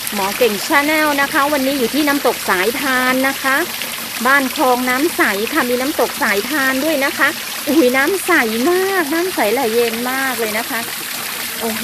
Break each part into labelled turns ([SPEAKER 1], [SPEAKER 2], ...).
[SPEAKER 1] หมอเก่งชาแนลนะคะวันนี้อยู่ที่น้ำตกสายทานนะคะบ้านคลองน้ำใสค่ะมีน้ำตกสายทานด้วยนะคะอุ้ยน้ำใสมากน้ำใสไหลเย็นมากเลยนะคะโอ้โห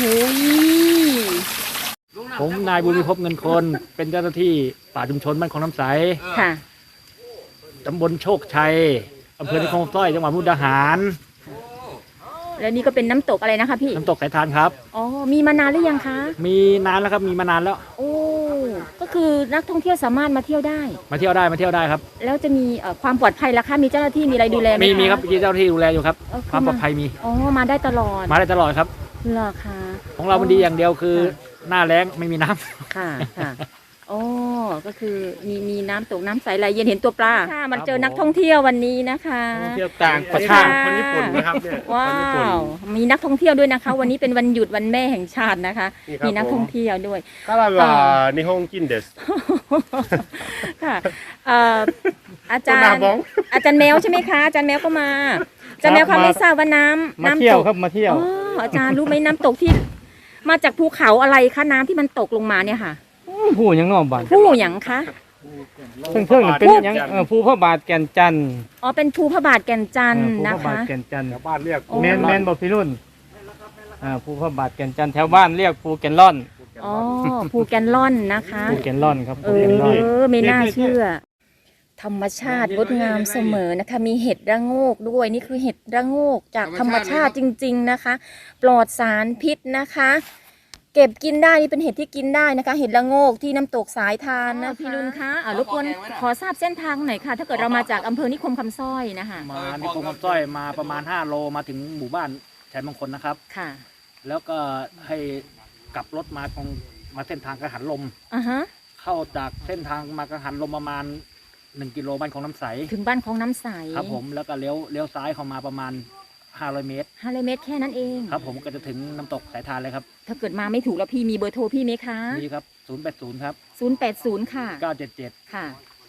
[SPEAKER 2] ผมนายบุญมีภพเงินคนเป็นเจ้าหน้าที่ป่าชุมชนบ้านคลองน้ำใส
[SPEAKER 1] ค่ะ
[SPEAKER 2] ตำบลโชคชัยอำเภอนิคมสร้อยจังหวัดมุกดาหาร
[SPEAKER 1] แล้วนี่ก็เป็นน้ำตกอะไรนะคะพี่
[SPEAKER 2] น้ำตกสายทานครับ
[SPEAKER 1] อ๋อมีมานานหรือยังคะ
[SPEAKER 2] มีนานแล้วครับมีมานานแล้ว
[SPEAKER 1] โอ้ก็คือนักท่องเที่ยวสามารถมาเที่ยวได้
[SPEAKER 2] มาเที่ยวได้ครับ
[SPEAKER 1] แล้วจะมีความปลอดภัยล่ะคะมีเจ้าหน้าที่มีอะไรดูแลไหมคะ
[SPEAKER 2] มีครับมีเจ้าหน้าที่ดูแลอยู่ครับความปลอดภัยมี
[SPEAKER 1] อ๋อมาได้ตลอด
[SPEAKER 2] ครับ
[SPEAKER 1] เหรอคะ
[SPEAKER 2] ของเรามันดีอย่างเดียวคือหน้าแล้งไม่มีน้ำ
[SPEAKER 1] ค่ะอ๋อก็คือมีน้ำตกน้ำใสไหลเย็นเห็นตัวปลาค่ะมันเจอนักท่องเที่ยววันนี้นะคะ
[SPEAKER 2] เที่ยวต่างประเทศคนญี่ปุ่นนะครับเนี่ย
[SPEAKER 1] ว้าวมีนักท่องเที่ยวด้วยนะคะวันนี้เป็นวันหยุดวันแม่แห่งชาตินะคะมีนักท่องเที่ยวด้วย
[SPEAKER 3] ก็ว่านิฮงจินเดส
[SPEAKER 1] ค่ะอาจารย์แมวใช่ไหมคะอาจารย์แมวก็มาอาจารย์แมวค่ะไม่ทราบว่าน้ำ
[SPEAKER 2] เที่ยวครับมาเที่ยว
[SPEAKER 1] อาจารย์รู้ไหมน้ำตกที่มาจากภูเขาอะไรคะน้ำที่มันตกลงมาเนี่ยค่ะ
[SPEAKER 4] ผู้ยังนอกบ้าน
[SPEAKER 1] ผู้หยังคะ
[SPEAKER 4] เพิ่งเป็นยังผู้พระบาทแก่นจันทร์
[SPEAKER 1] อ๋อเป็นภูพระบาทแก่นจันทร์นะคะ
[SPEAKER 4] ภูพระบาทแก่นจันทร์
[SPEAKER 3] บ้านเรียก
[SPEAKER 4] แมนบอกพี่รุ่นภูพระบาทแก่นจันทร์แถวบ้านเรียกภูแก่นล่อน
[SPEAKER 1] อ๋อภูแก่นล่อนนะคะ
[SPEAKER 4] ภูแก่นล่อนครับ
[SPEAKER 1] ไม่น่าเชื่อธรรมชาติงดงามเสมอนะคะมีเห็ดระโงกด้วยนี่คือเห็ดระโงกจากธรรมชาติจริงๆนะคะปลอดสารพิษนะคะเก็บกินได้นี่เป็นเห็ดที่กินได้นะคะเห็ดระโงกที่น้ำตกสายทานนะพี่ลุนคะรบกวนขอทราบเส้นทางหน่อยค่ะถ้าเกิดเรามาจากอำเภอนิคมคำสร้อยนะคะ
[SPEAKER 2] มานิคมคำสร้อยมาประมาณ5 โลมาถึงหมู่บ้านชัยมงคลนะครับ
[SPEAKER 1] ค่ะ
[SPEAKER 2] แล้วก็ให้กลับรถมาเส้นทางกังหันลมเข้าจากเส้นทางมากังหันลมประมาณ1 กิโลบ้านของน้ำใส
[SPEAKER 1] ถึงบ้านของน้ำใส
[SPEAKER 2] ครับผมแล้วก็เลี้ยวซ้ายเข้ามาประมาณ500 เมตร
[SPEAKER 1] แค่นั้นเอง
[SPEAKER 2] ครับผมก็จะถึงน้ำตกสายทานเลยครับ
[SPEAKER 1] ถ้าเกิดมาไม่ถูกแล้วพี่มีเบอร์โทรพี่ไหมคะ
[SPEAKER 2] มีครับ080ครับ
[SPEAKER 1] 080ค่ะ
[SPEAKER 2] 977
[SPEAKER 1] ค่ะ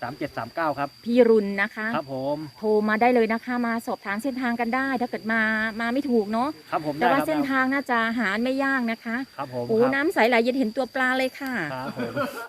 [SPEAKER 2] 3739ครับ
[SPEAKER 1] พี่รุนนะคะ
[SPEAKER 2] ครับผม
[SPEAKER 1] โทรมาได้เลยนะคะมาสอบถามเส้นทางกันได้ถ้าเกิดมาไม่ถูกเนาะ
[SPEAKER 2] ครับผม
[SPEAKER 1] แต่ว่าเส้นทางน่าจะหาไม่ยากนะคะ
[SPEAKER 2] ครับผม
[SPEAKER 1] โอ้น้ำใสไหลเย็นเห็นตัวปลาเลยค่ะ
[SPEAKER 2] ครับผม